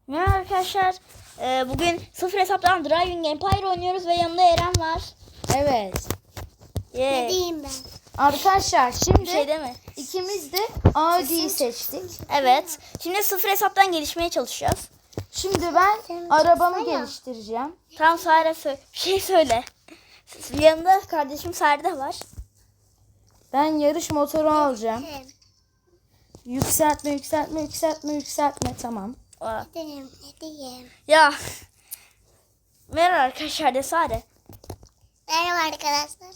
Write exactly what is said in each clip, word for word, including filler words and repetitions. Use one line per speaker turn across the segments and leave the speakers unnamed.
Merhaba arkadaşlar. Ee, bugün sıfır hesaptan Driving Empire oynuyoruz ve yanımda Eren var.
Evet.
Yeah.
Ne diyeyim ben?
Arkadaşlar şimdi
Bir şey deme.
ikimiz de Audi'yi seçtik.
Evet. Şimdi sıfır hesaptan gelişmeye çalışacağız.
Şimdi ben
Sen
arabamı
çıksana.
geliştireceğim.
Tamam Sare sö- bir şey söyle. Yanında kardeşim Sare de var.
Ben yarış motoru alacağım.
Gidelim.
Yükseltme, yükseltme, yükseltme, yükseltme. Tamam.
Aa.
Gidelim. Ne diyeyim?
Ya. Merhaba arkadaşlar de Sare.
Merhaba arkadaşlar.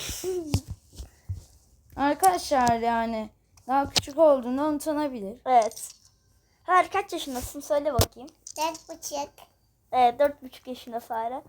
Arkadaşlar yani daha küçük olduğundan utanabilir.
Evet. Her kaç yaşındasın söyle bakayım.
Dört buçuk.
Evet dört buçuk yaşında Sare.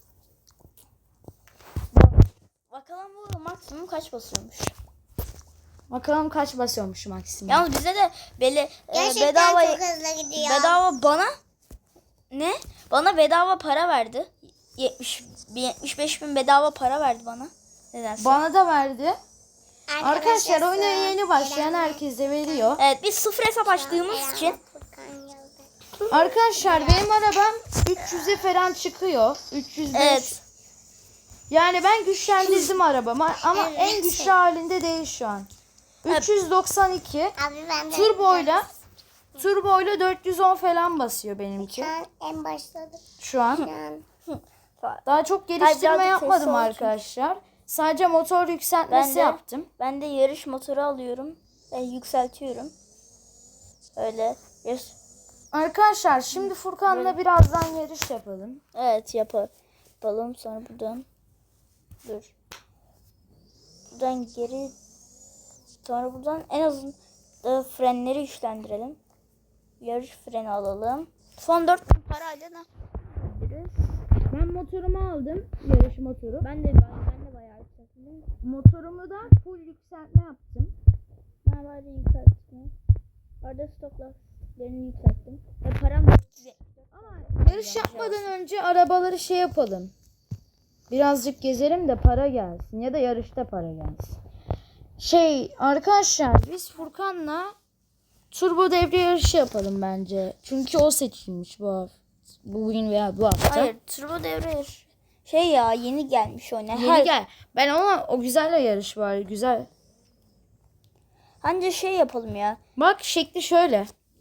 Bakalım bu maksimum kaç basıyormuş.
Bakalım kaç basıyormuş maksimum.
Yalnız bize de böyle e,
Gerçekten
bedava
çok hızlı gidiyor.
bedava bana ne? Bana bedava para verdi. yetmiş bin, yetmiş beş bin bedava para verdi bana. Nedense.
Bana da verdi. Arkadaşlar oyuna
Arkadaşlar,
yeni başlayan
Eren-
herkese veriyor.
Evet biz sıfır hesap açtığımız
Eren
için
Furkan yazdı.
Arkadaşlar benim arabam üç yüze falan çıkıyor. üç yüz beş.
evet.
Yani ben güçlendirdim arabamı ama
Evet.
en güçlü halinde değil şu an. üç yüz doksan iki
Abi ben de
turboyla turboyla dört yüz on falan basıyor benimki
Şu an en başladık.
şu an.
Şu an.
Daha çok geliştirme
birazcık
yapmadım
sesli olsun.
arkadaşlar. Sadece motor yükseltmesi
Ben de-
yaptım.
Ben de yarış motoru alıyorum. Ben yükseltiyorum. Öyle. Yes.
Arkadaşlar şimdi Furkan'la birazdan yarış yapalım.
Evet yapa- yapalım sonra buradan dur. Buradan geri sonra buradan en azından frenleri güçlendirelim. Yarış freni alalım. Son dört bin parayla ne yapabiliriz?
Ben motorumu aldım. Yarış motoru.
Ben de ben, ben de bayağı yükselttim.
Motorumu da full yükseltme yaptım.
Ben bayağı yükselttim. Orada stop lastiklerini yükselttim. Ve param dört yüz yetmiş.
Ama yarış yapmadan önce arabaları şey yapalım. Birazcık gezelim de para gelsin. Ya da yarışta para gelsin. Şey arkadaşlar biz Furkan'la turbo devre yarışı yapalım bence. Çünkü o seçilmiş bu hafta. Bugün veya bu hafta.
Hayır turbo devre şey ya yeni gelmiş oyuna.
Yeni
Her-
gel. Ben ona o güzelle yarış var. Güzel.
Bence şey yapalım ya.
Bak şekli şöyle.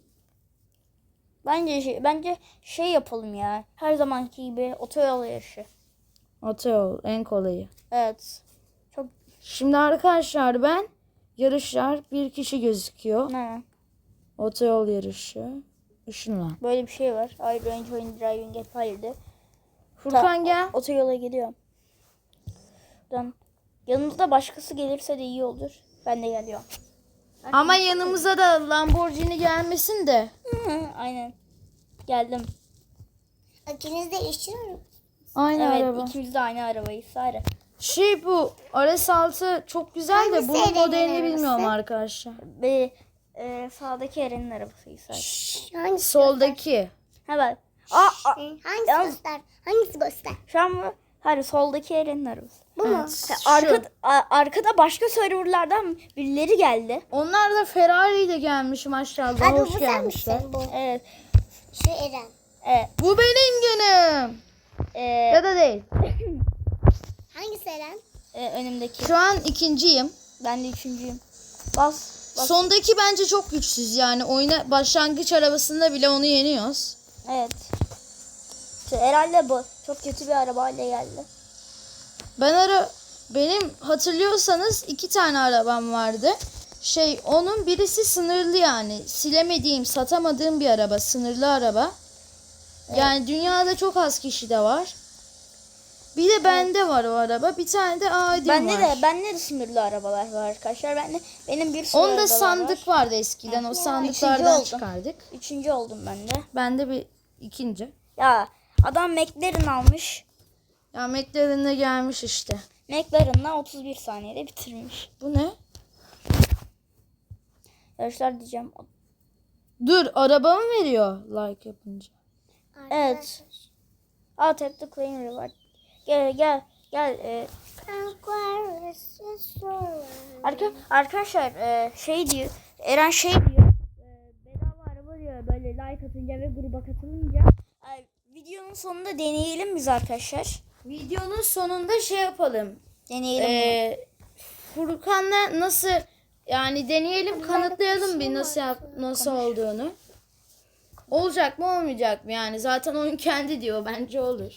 Bence şey, bence şey yapalım ya. Her zamanki gibi otoyol yarışı.
Otoyol en kolayı.
Evet. Çok
Şimdi arkadaşlar ben yarışlar bir kişi gözüküyor.
ne?
Otoyol yarışı. Işınla.
Böyle bir şey var. I Range Oyun Driving Empire'de.
Furkan gel.
Otoyola gidiyorum. Buradan yanımızda başkası gelirse de iyi olur. Ben de geliyorum.
Ama yanımıza da Lamborghini gelmesin de.
Aynen. Geldim.
İkiniz de işçi mi?
Aynı
Evet
araba.
ikimiz de aynı arabayı Sare.
Şey bu R S altı çok güzel de
Hangisi
bunun
Eren'in
modelini
arabası?
bilmiyorum arkadaşlar.
Ve e, sağdaki Eren'in arabası Sare.
Hangisi
Soldaki.
Ha bak. Aa, aa,
göster? Hangisi
Yalnız-
göster? Hangisi göster?
şu an mı? Hayır soldaki Eren'in arabası.
Bu mu?
Ha,
Şu.
Arka, a- arkada başka serverlardan birileri geldi.
Onlar da Ferrari ile gelmiş maşallah.
Abi
Hoş
bu
gelmişler.
senmişsin bu.
Evet.
Şu Eren.
Evet.
Bu benim günüm.
E,
Ya da değil.
Hangisi Eren?
e, önümdeki.
Şu an ikinciyim.
Ben de üçüncüyüm. Bas. Bas.
Sondaki bence çok güçsüz yani. Oyuna başlangıç arabasında bile onu yeniyoruz.
Evet. İşte herhalde bu. Çok kötü bir arabayla geldi.
Ben ara benim hatırlıyorsanız iki tane arabam vardı. Şey onun birisi sınırlı yani. Silemediğim, satamadığım bir araba. Sınırlı araba. Yani dünyada çok az kişi de var. Bir de bende var o araba. Bir tane de Audi
Bende
var.
de bende de sınırlı arabalar var arkadaşlar. Ben de benim bir sürü
Onda
arabalar
sandık
var.
vardı eskiden. O
Üçüncü
sandıklardan
oldum.
çıkardık.
Üçüncü oldum ben de.
Ben de bir ikinci.
Ya adam McLaren almış.
Ya McLaren'e gelmiş işte.
McLaren'la otuz bir saniyede bitirmiş.
Bu ne?
Yarışlar diyeceğim.
Dur araba mı veriyor like yapınca?
Evet. Aa tap the claim reward. Gel gel gel. E, arka, arkadaşlar e, şey diyor. Eren şey diyor. E, bedava araba diyor böyle like atınca ve gruba katılınca ay, videonun sonunda deneyelim biz arkadaşlar.
Videonun sonunda şey yapalım.
Deneyelim.
Ee, Furkan'la nasıl yani deneyelim, kanıtlayalım bir nasıl yap, nasıl olduğunu. Olacak mı olmayacak mı yani zaten oyun kendi diyor, bence olur.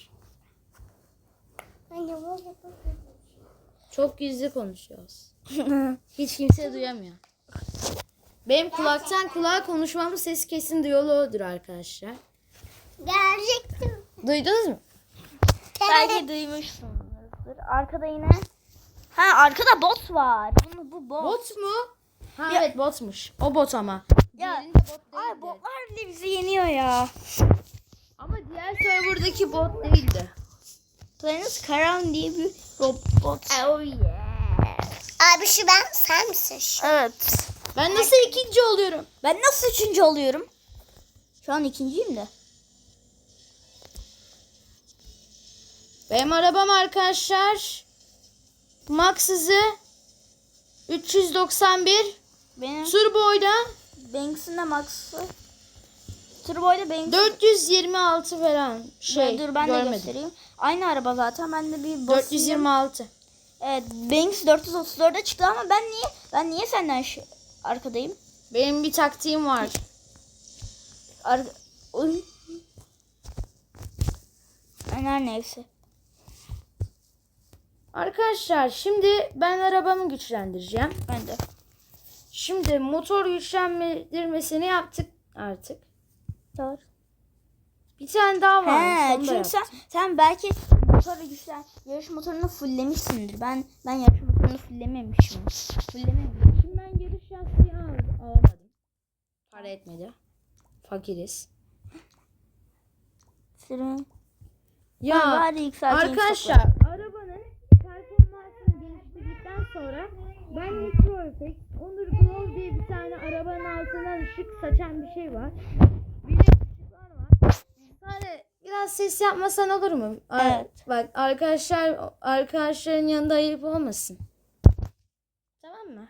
Anne böyle
Çok gizli konuşuyoruz. Hiç kimse duyamıyor. Benim kulaktan kulağa konuşmamın sesi kesin diyaloğudur arkadaşlar.
gelecektim.
Duydunuz mu?
Belki duymuşsunuzdur. Arkada yine. Ha arkada bot var. Bunu bu bot.
Bot mu? Ha
Ya-
evet botmuş. O bot ama.
Ya,
Diğerinde bot
ay
değildi.
botlar bile bizi yeniyor ya.
Ama diğer serverdaki bot değildi.
Planets Karan diye bir robot. Oh yeah.
Abi şu ben, sen misin şu?
Evet.
Ben nasıl ikinci oluyorum?
Ben nasıl üçüncü oluyorum? Şu an ikinciyim de.
Benim arabam arkadaşlar Max hızı üç yüz doksan bir,
Benim
Turbo'yla
Banks'ın da Max'ı. Turbo'yla Banks.
dört yüz yirmi altı falan şey
Dur ben de
görmedim.
göstereyim. Aynı araba zaten. Ben de bir basayım.
dört yüz yirmi altı.
Evet, Banks dört yüz otuz dörde çıktı ama ben niye ben niye senden şu- arkadayım?
Benim bir taktiğim var.
Ar Oy. Ben her neyse.
Arkadaşlar şimdi ben arabamı güçlendireceğim.
Ben de.
Şimdi motor güçlendirmesini yaptık artık.
Doğru.
Bir tane daha var.
He,
onu da
çünkü sen,
yaptım.
sen belki motoru güçlen yarış motorunu fulllemişsindir. Ben ben yarış motorunu fulllememişim. Fullememişim.
Şimdi ben yarış lastiği al- alamadım. Para etmedi. Fakiriz.
Senin
Ya
bari yükselteyim
arkadaşlar arabanın performansını geliştirdikten sonra ben Nitro Effect, Onur Glow diye bir tane arabanın altından ışık saçan bir şey var. Bir de ışıklar var. Yani biraz ses yapmasan olur mu? Ar-
Evet.
Bak arkadaşlar arkadaşların yanında ayıp olmasın. Tamam mı?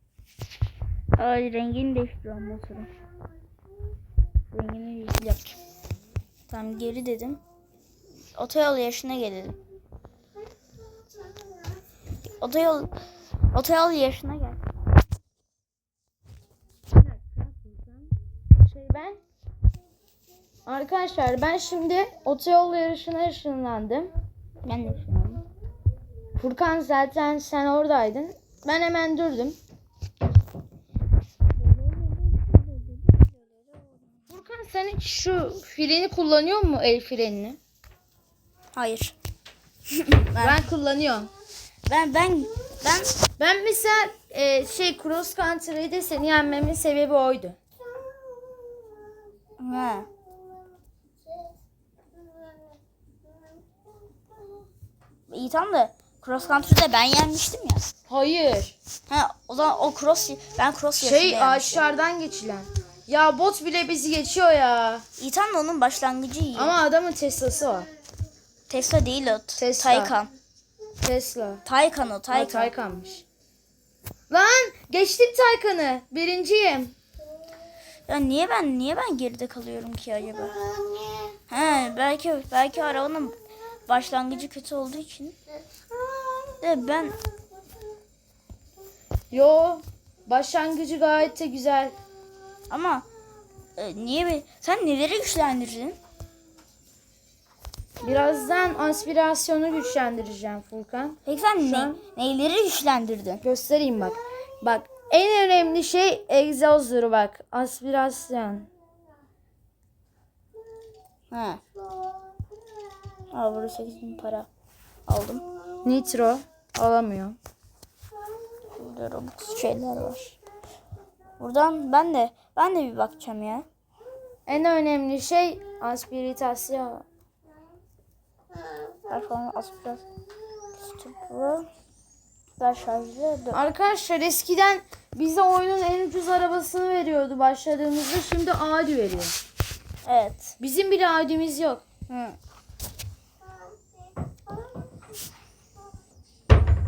Ay rengini değiştiriyorum motorun. Rengini yap. Tamam geri dedim. Otoyol yarışına gelelim. Otoyol otoyol yarışına gel.
Şey ben Arkadaşlar ben şimdi otoyol yarışına ışınlandım.
Ben de düşünüyorum.
Furkan zaten sen oradaydın. Ben hemen durdum. Furkan sen hiç şu freni kullanıyor musun, el frenini?
Hayır.
Ben kullanıyorum.
Ben ben ben
Ben mesela e, şey cross country'de seni yenmemin sebebi oydu.
ha. İyi tamam da cross country'de ben yenmiştim ya.
Hayır.
Ha o zaman o cross ben cross yarışında
Şey
yenmiştim.
ağaçlardan geçilen. Ya bot bile bizi geçiyor ya.
İyi tamam da onun başlangıcı iyi.
Ama adamın Tesla'sı var.
Tesla değil o.
Tesla.
Taycan.
Tesla.
Taycan o
Ha,
Taycan.
Taycan'mış. Lan geçtim Taycan'ı. Birinciyim.
Ya niye ben niye ben geride kalıyorum ki acaba? He belki belki arabanın başlangıcı kötü olduğu için. De ben
Yo. Başlangıcı gayet de güzel.
ama e, niye be? Sen neleri güçlendirdin?
Birazdan aspirasyonu güçlendireceğim Furkan.
Peki sen
Şu
ne,
an-
neyleri güçlendirdin?
Göstereyim bak. Bak en önemli şey egzozdur bak. Aspirasyon.
Ha. Aa burada sekiz bin para aldım.
Nitro. Alamıyor.
Burada Robux şeyler var. Buradan ben de ben de bir bakacağım ya.
En önemli şey aspiritasyon.
Performans aspiras. Stoplu. Ver şarjlı. Dur.
Arkadaşlar eskiden bize oyunun en ucuz arabasını veriyordu başladığımızda. Şimdi Audi veriyor.
Evet.
Bizim bile Audi'miz yok.
Hı.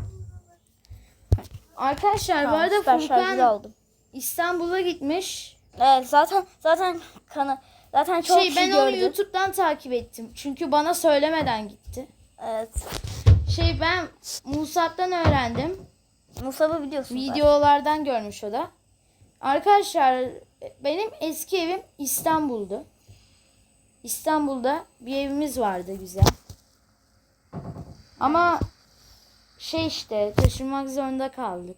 Arkadaşlar bu
Tamam,
arada
süper şarjlı
Furkan
aldım.
İstanbul'a gitmiş.
Evet zaten zaten kana zaten çok
Şey
kişi
ben onu
gördü.
YouTube'dan takip ettim. Çünkü bana söylemeden gitti.
Evet.
Şey ben Musab'dan öğrendim.
Musab'ı biliyorsun.
Videolardan görmüş o da. Arkadaşlar benim eski evim İstanbul'du. İstanbul'da bir evimiz vardı güzel. Ama şey işte taşınmak zorunda kaldık.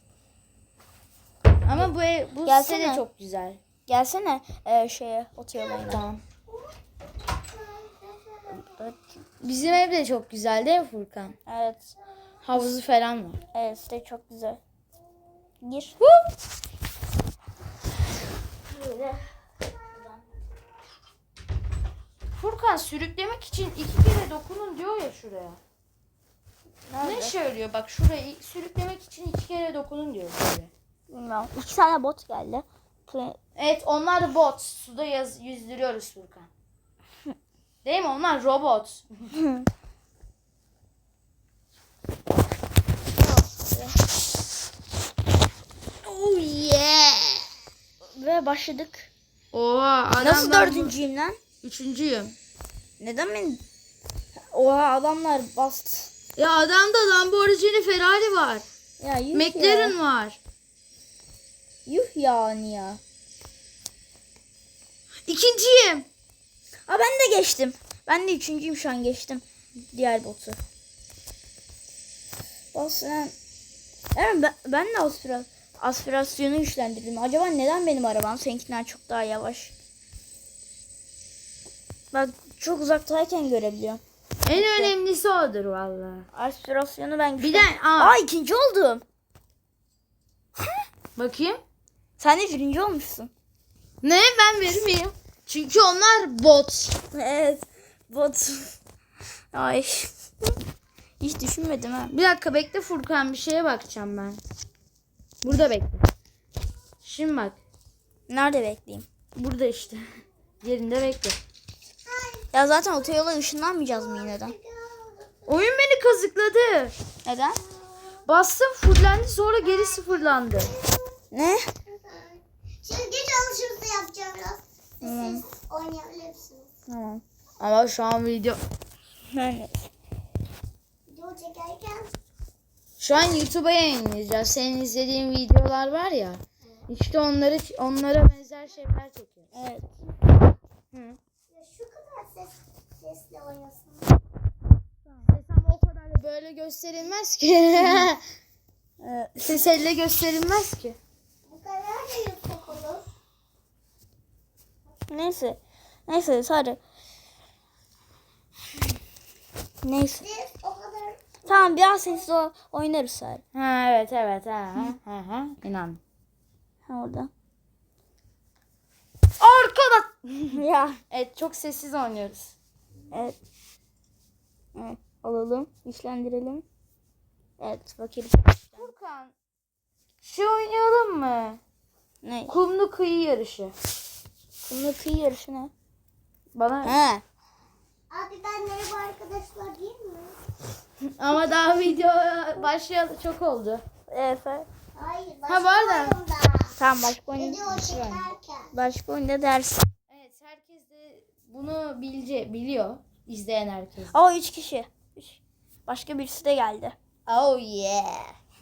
Ama bu ev, bu
Gelsene.
sene çok güzel.
Gelsene e, şeye otoyola.
Tamam. Bizim ev de çok güzel değil mi Furkan?
Evet.
Havuzu falan var.
Evet işte çok güzel. Gir. Böyle.
Furkan sürüklemek için iki kere dokunun diyor ya şuraya.
Nerede?
Ne söylüyor? Bak şurayı sürüklemek için iki kere dokunun diyor böyle.
Bilmiyorum. İki tane bot geldi. Pl-
Evet onlar da bot. Suda yaz, yüzdürüyoruz Furkan. Değil mi? Onlar robot.
Oh yeah. Ve başladık.
Oha adam
Nasıl
ben bu-
dördüncüyüm lan?
Üçüncüyüm.
Neden ben? Oha adamlar bastı.
Ya adamda Lamborghini Ferrari var.
Ya yuh
McLaren
ya.
var.
Yuh yani ya.
İkinciyim.
Aa ben de geçtim. Ben de üçüncüyüm şu an geçtim. Diğer botu. Bak sen. Evet ben, ben de aspira, aspirasyonu güçlendirdim. Acaba neden benim arabam seninkinden çok daha yavaş? Bak çok uzaktayken görebiliyorum.
En önemlisi odur valla.
Aspirasyonu ben
Bir de
güçlen-
aa,
Aa ikinci oldum.
bakayım.
Sen de birinci olmuşsun.
Ne ben vermeyeyim. Çünkü onlar bot.
Evet. Bot. Ay. Hiç düşünmedim ha.
Bir dakika bekle Furkan bir şeye bakacağım ben. Burada bekle. Şimdi bak.
Nerede bekleyeyim?
Burada işte. Yerinde bekle.
Ya zaten otoyola ışınlanmayacağız mı yine de?
Oyun beni kazıkladı.
Neden?
Bastım fullendi sonra geri sıfırlandı.
Ne?
Şimdi çalışırsa yapacağım biraz.
Tamam.
Siz oynayabilirsiniz.
Tamam.
Ama şu an video.
Evet.
Video çekerken
Şu an YouTube'a yayınlayacağız. Senin izlediğin videolar var ya. İşte onları onlara benzer şeyler çekiyor.
Evet.
Hı.
ya şu kadar ses sesle oynasın.
Ses ama o kadar da böyle gösterilmez ki.
Ee,
Ses elle gösterilmez ki.
Bu kadar da yüksek olur.
neyse. Neyse sadece. Neyse.
Siz o kadar
Tamam biraz sessiz o- oynarız sadece.
Ha evet evet ha ha ha, ha. İnan.
Ha orada.
Arkada.
Ya.
Evet çok sessiz oynuyoruz.
Evet. Evet. Alalım. Güçlendirelim. Evet bakayım.
Furkan. Şey oynayalım mı?
Ne?
Kumlu kıyı yarışı.
Kumlu kıyı yarışı ne?
Bana
He.
Abi ben merhaba arkadaşlar değil mi?
ama daha video başlayalı çok oldu.
Evet.
Hayır
Ha,
başka
bu arada-
oyunda.
Tamam başka oyun.
Video çekerken.
Başka oyunda ders.
Evet herkes de bunu bilce biliyor. İzleyen herkes.
O üç kişi. Üç. Başka birisi de geldi.
Oh yeah.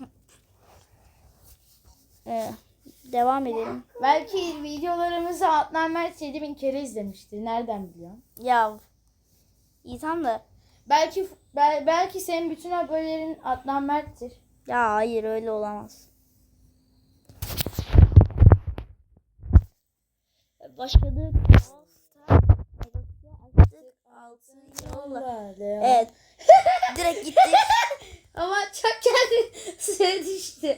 Ee, devam edelim.
Belki videolarımızı Adnan Mert yedi bin kere izlemiştir. Nereden biliyorsun?
Ya. İyi tamam da.
Belki bel- belki senin bütün abonelerin Adnan Mert'tir.
Ya hayır öyle olamaz. Başladık. Evet. Direkt gittik.
Ama çok kendi suya düştü.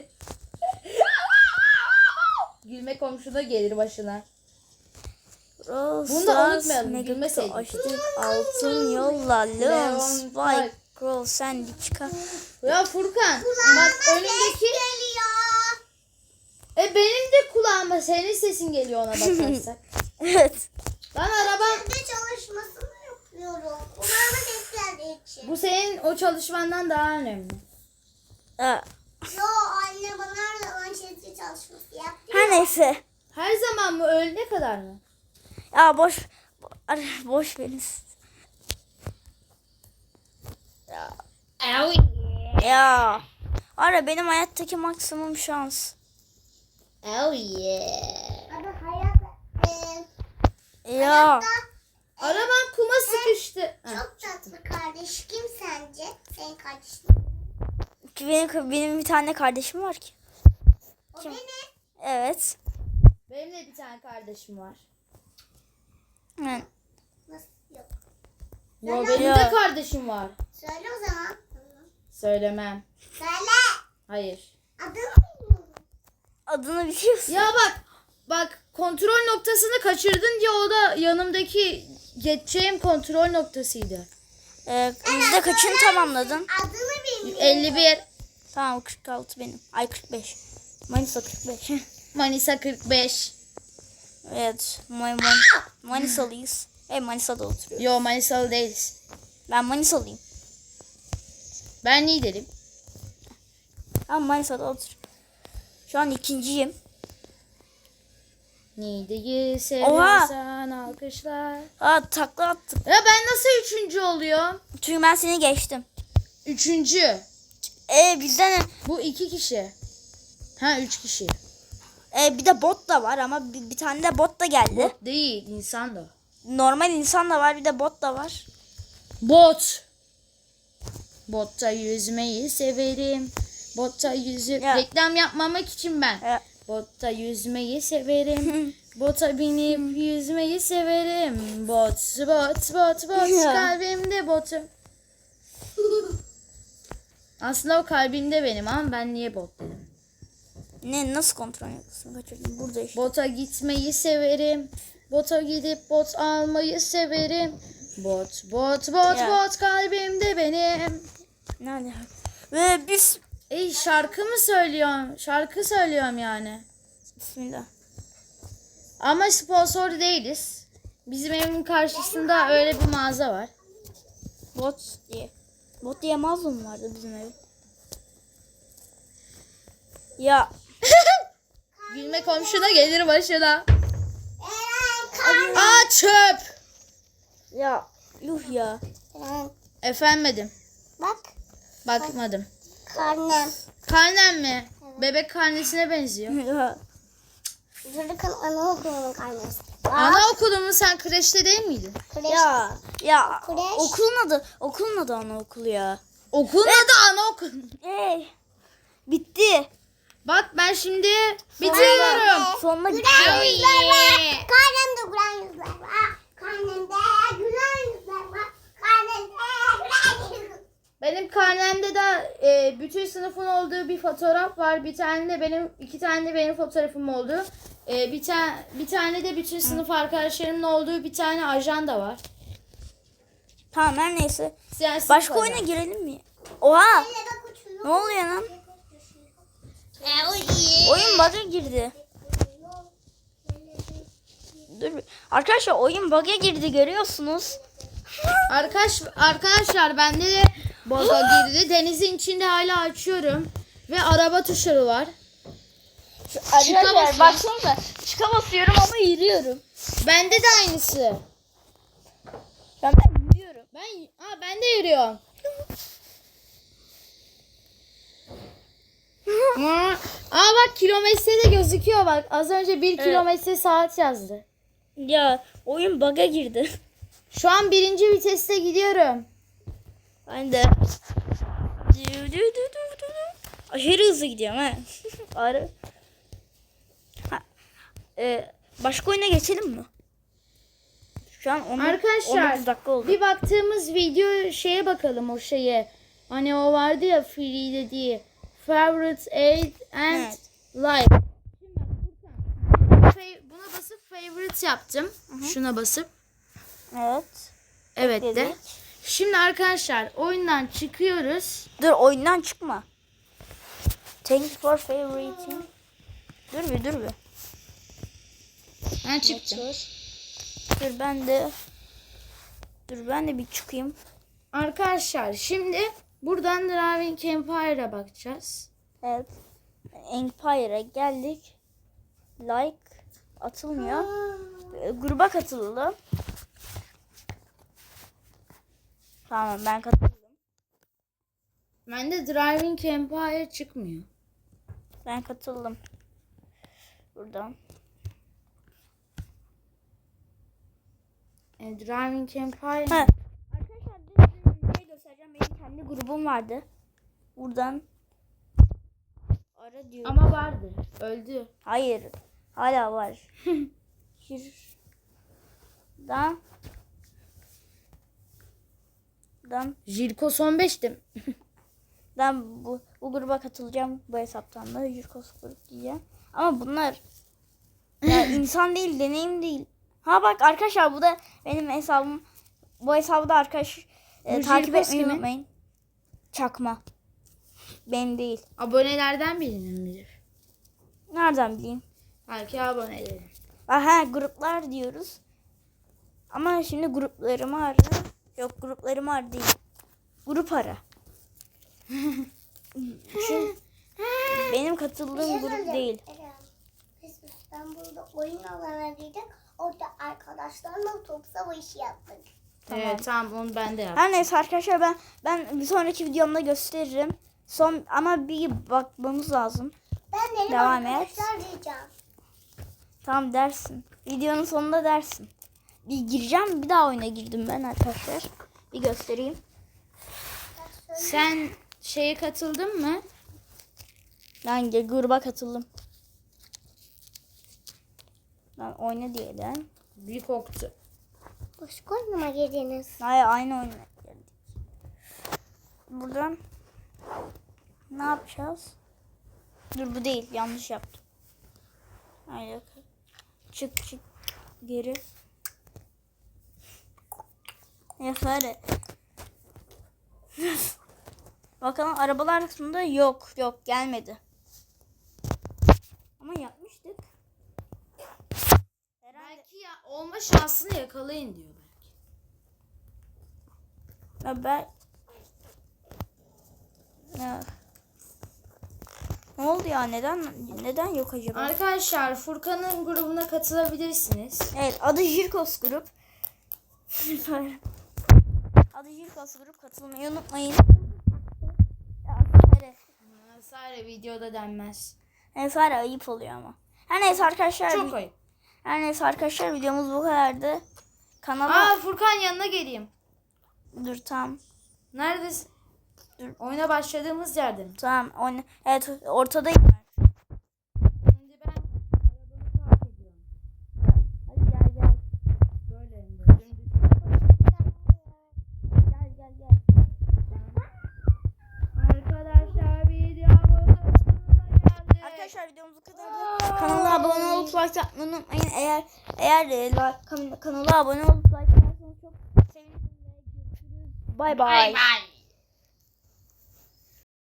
Gülme komşuna gelir başına.
Bunu
da unutmayalım, gülmeseydik.
Açtık altın yolla. Leon,
Leon,
Spike,
Spike.
Crow, Sandy çıkar.
Ya Furkan bak önündeki
Geliyor.
e benim de kulağıma senin sesin geliyor ona bakarsak.
Evet.
Lan arabam
Şimdi çalışmasını yapıyorum. Kulağıma ses geldiği için.
bu senin o çalışmandan daha önemli.
Ha,
Yo anne bana da ön çalışması yaptı.
Her neyse.
Her zaman mı? Öğlene kadar mı?
Ya boş bo- boş verin. Ya. Ya. Ara benim hayattaki maksimum şans.
Oh yeah.
Abi hayat e,
Ya.
Arabam kuma sıkıştı. Ha.
çok tatlı kardeş. Kim sence? Senin kardeşin.
Benim, benim bir tane kardeşim var ki.
O
Kim?
benim.
Evet.
Benim de bir tane kardeşim var.
Yani,
Nasıl yok?
Yo,
Söyle.
benim de kardeşim var.
Söyle o zaman.
Söylemem.
Söyle.
Hayır.
Adını bilmiyorum.
adını biliyorsun.
Ya bak. Bak kontrol noktasını kaçırdın diye o da yanımdaki geçeceğim kontrol noktasıydı.
Ee, yüzde kaçını tamamladın?
Adını bilmiyorum.
elli bir.
Tamam kırk altı benim. Ay kırk beş. Manisa kırk beş.
Manisa kırk beş.
Evet. Man Man Manisalıyız. Evet Manisa'da oturuyoruz.
Yo Manisalı değiliz.
Ben Manisalıyım.
Ben Niğdeliyim.
Ben Manisa'da oturuyorum. Şu an ikinciyim.
Niğde'yi seviyorsan alkışlar.
Aa takla attım.
Ya ben nasıl üçüncü oluyorum?
Çünkü ben seni geçtim.
Üçüncü.
Ee bizden
Bu iki kişi. Ha üç kişi.
e, bir de bot da var ama bir, bir tane de bot da geldi.
Bot değil insan da.
Normal insan da var bir de bot da var.
Bot. Botta yüzmeyi severim. Botta yüzü...
Ya.
Reklam yapmamak için ben.
E,
Botta yüzmeyi severim. Bota binip yüzmeyi severim. Bot, bot, bot, bot.
Ya.
Kalbimde botum. Aslında o kalbimde benim ama ben niye bot dedim.
ne nasıl kontrol yapıyorsun? Kaçırdım. Burada işte.
Bota gitmeyi severim. Bota gidip bot almayı severim. Bot, bot, bot,
Ya.
bot kalbimde benim.
Nerede? Ve biz
Ey şarkı mı söylüyorum? Şarkı söylüyorum yani.
Bismillah.
Ama sponsor değiliz. Bizim evimin karşısında öyle bir mağaza var.
Bot diye. Bot diye mağaza mı vardı bizim ev? Ya.
Gülme komşuna gelir başına.
Eren kan.
Aa çöp.
Ya. Yuh ya.
Eren,
Efendim.
bak
Bakmadım.
karnem.
Karnem mi? Bebek karnesine benziyor.
Ya.
Çocukun anaokulunun karnesi. Bak.
Anaokulu mu? Sen kreşte değil miydin?
Kreş.
Ya. Ya.
Kreş.
Okulun adı. Okulun adı anaokulu ya.
Okulun adı anaokulu.
Hey. Bitti.
Bak ben şimdi bitiriyorum.
Sonuna
Gülen
gidiyor.
yüzler var. Karnemde gülen yüzler var. Karnemde gülen yüzler var. Karnemde gülen yüzler var.
Benim karnemde de e, bütün sınıfın olduğu bir fotoğraf var. Bir tane de benim, iki tane de benim fotoğrafım oldu. E, bir tane bir tane de bütün sınıf arkadaşlarımın olduğu bir tane ajanda var.
Tamam her neyse.
Yani sınıf
Başka
ajandası.
oyuna girelim mi? Oha.
Hele bak uçuyor.
Ne oluyor lan? Oyun bug'a girdi. Dur. bir- Arkadaşlar oyun bug'a girdi görüyorsunuz.
Arkadaş arkadaşlar bende de boza girdi. Denizin içinde hala açıyorum ve araba tuşları var.
Arkadaşlar
basıyorum.
baksanıza. Çıka basıyorum ama yürüyorum.
Bende de aynısı.
Ben de yürüyorum.
Ben aa ben de yürüyorum. Aa aa, bak kilometre de gözüküyor bak. Az önce bir kilometre saat yazdı.
Ya oyun bug'a girdi.
Şu an birinci viteste gidiyorum.
Ben de. Dü dü dü dü dü. Aşırı hızlı gidiyorum ha. Arı. Ha. Ee, başka oyuna geçelim mi? Şu an on, on
Arkadaşlar
dokuz dakika oldu.
bir baktığımız video şeye bakalım o şeye. Hani o vardı ya free dediği. Favorite aid and
Evet.
like. Şimdi bak Furkan, buna basıp favorite yaptım. Şuna basıp.
Evet.
Evet de.
Dedik.
Şimdi arkadaşlar oyundan çıkıyoruz.
Dur oyundan çıkma. Thank you for favoriting. Dur bir dur bir.
Ben çıktım.
Dur ben de. Dur ben de bir çıkayım.
Arkadaşlar şimdi buradan Drawing Empire'a bakacağız.
Evet. Empire'a geldik. Like. atılmıyor. E, gruba katıldım. Tamam ben katıldım.
Bende Driving Empire çıkmıyor.
Ben katıldım. Buradan.
E, Driving Empire.
Ha. Arkadaşlar size bir şey göstereceğim. Benim kendi grubum vardı. Buradan ara diyorum.
Ama vardı. Öldü.
Hayır. Hala var. Şuradan. Dan,
Jirkos on beştim.
ben bu, bu gruba katılacağım. Bu hesaptan da Jurkos grup diyeceğim. Ama bunlar ya insan değil, deneyim değil. Ha bak arkadaşlar bu da benim hesabım. Bu hesabı da arkadaş e,
Bu
takip
Jirkos
etmeyi
kimin?
unutmayın. Çakma. Benim değil.
Abonelerden birinin midir?
Nereden bileyim?
Belki aboneleri.
Aha gruplar diyoruz. Ama şimdi gruplarımı ara. Yok gruplarımı ara değil. Grup ara. Çünkü benim katıldığım grup değil.
Biz İstanbul'da oyun alanına girdik. Orada arkadaşlarla top savaşı yaptık.
Tamam.
Evet tamam onu ben de yaptım.
Her neyse arkadaşlar ben ben bir sonraki videomda gösteririm. Son ama bir bakmamız lazım.
Ben benim
Devam et.
arkadaşlar diyeceğim.
Tamam dersin. Videonun sonunda dersin. Bir gireceğim bir daha oyuna girdim ben arkadaşlar. Bir göstereyim.
Sen şeye katıldın mı?
Ben de gruba katıldım. Ben oyna diyelim.
Bir koktu.
Başka oyunuma girdiniz.
Hayır aynı oyuna geldik. Buradan ne yapacağız? Dur bu değil yanlış yaptım. Hayır. Çık çık geri. Neyse hadi. Bakalım arabalar kısmında yok yok gelmedi. Ama yapmıştık. Herhalde
Belki ya olma şansını yakalayın diyor belki.
ya ben ya. Ne oldu ya neden neden yok acaba?
Arkadaşlar Furkan'ın grubuna katılabilirsiniz.
Evet adı Jirkos grup. Adı Jirkos grup katılmayı unutmayın. Ya, Sare.
Sadece videoda denmez.
Yani Sare ayıp oluyor ama. Her neyse arkadaşlar.
Çok ayıp.
Her neyse arkadaşlar videomuz bu kadardı. Kanala
Aa Furkan yanına geleyim.
dur tamam.
Neredesin?
Dur.
Oyuna başladığımız yerde mi?
Tamam oyna. Evet ortadayım ben.
Şimdi ben arabamı park ediyorum.
Hadi gel gel.
Böyle hem de. Dümdüz.
Gel gel gel.
Arkadaşlar videomuz sonuna geldi.
Arkadaşlar videomuz bu kadardı. Kanala abone olup like atmayı unutmayın. Eğer eğer e, like, kan- kanala abone olup like atarsanız çok sevinirim ve görüşürüz. Bay bay.
Bye bye.